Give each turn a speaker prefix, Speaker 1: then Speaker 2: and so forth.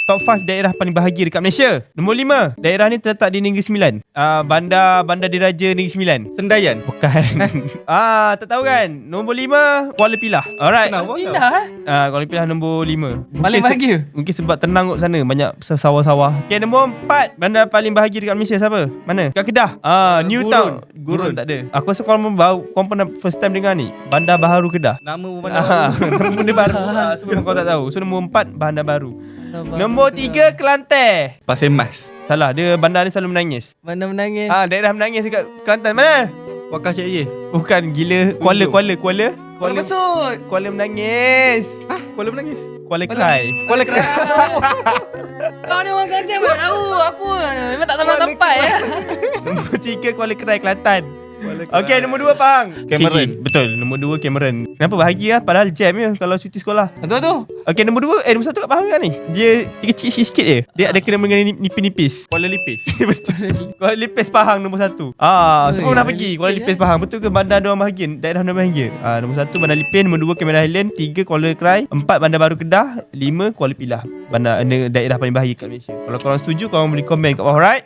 Speaker 1: Top 5 daerah paling bahagia dekat Malaysia. Nombor 5, daerah ni terletak di Negeri Sembilan. Bandar Diraja Negeri Sembilan.
Speaker 2: Sendayan.
Speaker 1: Bukan. Tak tahu kan. Nombor 5, Kuala Pilah. Alright.
Speaker 2: Kenapa?
Speaker 3: Pindah
Speaker 1: Kuala Pilah nombor 5.
Speaker 3: Paling bahagia.
Speaker 1: Mungkin sebab tenang kot sana, banyak sawah-sawah. Okay, nombor 4, bandar paling bahagia dekat Malaysia siapa? Mana? Kat Kedah. New Town. Gurun tak ada. Aku rasa korang pernah first time dengar ni. Bandar Baharu Kedah.
Speaker 2: Nama bandar baru.
Speaker 1: Benda baru. Sebab kau tak tahu. So nombor 4, bandar baru. Nombor 3, Kelantan.
Speaker 2: Pasir Mas.
Speaker 1: Salah, dia bandar ni selalu menangis.
Speaker 3: Mana menangis.
Speaker 1: Daerah menangis dekat Kelantan. Mana?
Speaker 2: Wakar Cik Ye.
Speaker 1: Bukan, gila. Kuala
Speaker 3: Besut.
Speaker 1: Kuala menangis.
Speaker 2: Kuala menangis.
Speaker 1: Kuala cry.
Speaker 2: Kuala Keras.
Speaker 3: Kau ni orang Kelantan mana tahu. Aku memang tak tahu tempat ya.
Speaker 1: Nombor 3, Kuala Cry, Kelantan. Okey, nombor 2, Pahang.
Speaker 2: Cameron.
Speaker 1: Sydney. Betul, nombor 2 Cameron. Kenapa bahagia? Padahal jam je kalau cuti sekolah.
Speaker 3: Tu.
Speaker 1: Okey, nombor 1 kat Pahang kan ni. Dia kecil sikit je. Dia ada kena dengan nipis-nipis.
Speaker 2: Kuala Lipis.
Speaker 1: Betul. Kuala Lipis Pahang nombor 1. Sebab pernah pergi Kuala Lipis Pahang. Betul ke bandar diorang bahagia? Daerah diorang bahagia. Nombor 1 Bandar Lipis, nombor 2 Cameron Highland, 3 Kuala Cry, 4 Bandar Baru Kedah, 5 Kuala Pilah. Daerah paling bahagia kat Malaysia. Kalau korang setuju, korang boleh komen kat bawah, right?